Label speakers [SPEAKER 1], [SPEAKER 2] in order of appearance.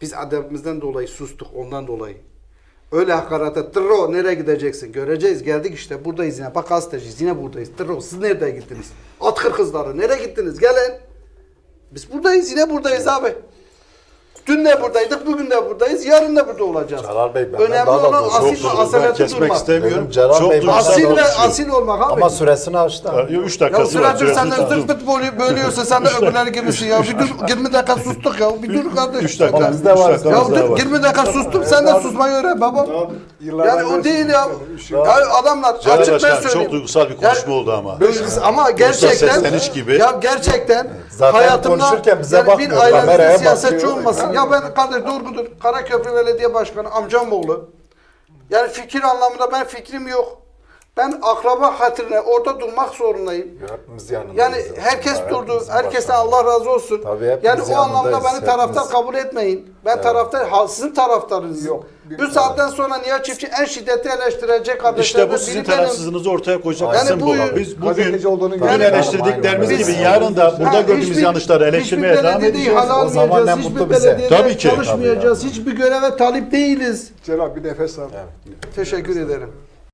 [SPEAKER 1] Biz adabımızdan dolayı sustuk, ondan dolayı. Öyle hakaret ettirro nereye gideceksin? Göreceğiz, geldik işte buradayız yine. Bak gazeteciyiz yine buradayız. Tırro siz nereye gittiniz? At kızları nereye gittiniz? Gelin. Biz buradayız yine buradayız abi. Dün de buradaydık, bugün de buradayız, yarın da burada olacağız.
[SPEAKER 2] Celal Bey, benden
[SPEAKER 1] önemli
[SPEAKER 2] daha da
[SPEAKER 1] olan
[SPEAKER 2] çok
[SPEAKER 1] asil ve asaleti
[SPEAKER 3] kesmek
[SPEAKER 1] durmak.
[SPEAKER 3] istemiyorum.
[SPEAKER 2] Celal
[SPEAKER 3] Çok
[SPEAKER 2] Bey,
[SPEAKER 3] duygusal
[SPEAKER 1] Asil ve
[SPEAKER 3] olmuş.
[SPEAKER 1] asil olmak abi.
[SPEAKER 2] Ama süresini açtı.
[SPEAKER 3] 3
[SPEAKER 1] Ya
[SPEAKER 3] dakikası var.
[SPEAKER 1] süredir sen de
[SPEAKER 3] Süresi
[SPEAKER 1] zırt pırt bölüyorsun, sen de öbürleri gibisin ya. Bir dur, 20 dakika sustuk ya, bir dur kardeş.
[SPEAKER 3] 3 dakika.
[SPEAKER 2] Ama bizde var.
[SPEAKER 1] Ya dur, 20 dakika sustum, sen de susmayı öğren baba. Yani o değil ya. Ya adamlar
[SPEAKER 3] Celal
[SPEAKER 1] açık ben
[SPEAKER 3] Başkan
[SPEAKER 1] söyleyeyim.
[SPEAKER 3] çok duygusal bir konuşma oldu ama.
[SPEAKER 1] Ama gerçekten
[SPEAKER 3] sesleniş gibi.
[SPEAKER 1] ya gerçekten
[SPEAKER 2] Zaten
[SPEAKER 1] hayatımda
[SPEAKER 2] konuşurken bize
[SPEAKER 1] yani bir
[SPEAKER 2] bakmıyor, kameraya
[SPEAKER 1] ailemizin siyasetçi
[SPEAKER 2] bakıyor.
[SPEAKER 1] olmasın. Ya ben kardeş doğrudur. Karaköprü Belediye Başkanı amcamoğlu. Yani fikir anlamında ben fikrim yok. Ben akraba hatırına orada durmak zorundayım.
[SPEAKER 2] Hepimiz yanındayız.
[SPEAKER 1] Yani herkes durdu.
[SPEAKER 2] Hepimizin
[SPEAKER 1] Herkesten
[SPEAKER 2] başkanı.
[SPEAKER 1] Allah razı olsun.
[SPEAKER 2] Tabii hepimiz
[SPEAKER 1] Yani o anlamda
[SPEAKER 2] yanındayız,
[SPEAKER 1] beni taraftar
[SPEAKER 2] hepimiz.
[SPEAKER 1] kabul etmeyin. Ben taraftar, sizin taraftarınız.
[SPEAKER 4] Yok.
[SPEAKER 1] Bu saatten sonra Nihat Çiftçi en şiddetli eleştirecek kardeşlerden
[SPEAKER 3] İşte bu sizin
[SPEAKER 1] biri benim.
[SPEAKER 3] tarafsızlığınızı ortaya koyacak
[SPEAKER 1] Yani
[SPEAKER 3] kısım
[SPEAKER 1] bu-
[SPEAKER 3] bu. Biz bugün
[SPEAKER 4] gazeteci olduğunu
[SPEAKER 3] bugün
[SPEAKER 4] yani-
[SPEAKER 3] eleştirdiklerimiz
[SPEAKER 2] Aynen.
[SPEAKER 3] gibi yarın da burada
[SPEAKER 1] Ha,
[SPEAKER 3] gördüğümüz
[SPEAKER 1] hiçbir-
[SPEAKER 3] yanlışları eleştirmeye
[SPEAKER 1] hiçbir
[SPEAKER 3] devam
[SPEAKER 1] belediyeyi
[SPEAKER 3] edeceğiz.
[SPEAKER 1] hal
[SPEAKER 2] O zaman ne
[SPEAKER 1] almayacağız,
[SPEAKER 2] mutlu
[SPEAKER 1] hiçbir
[SPEAKER 2] bize.
[SPEAKER 1] belediyede
[SPEAKER 3] Tabii ki.
[SPEAKER 1] çalışmayacağız, hiçbir göreve talip değiliz.
[SPEAKER 4] Celal bir nefes al.
[SPEAKER 1] Teşekkür ederim.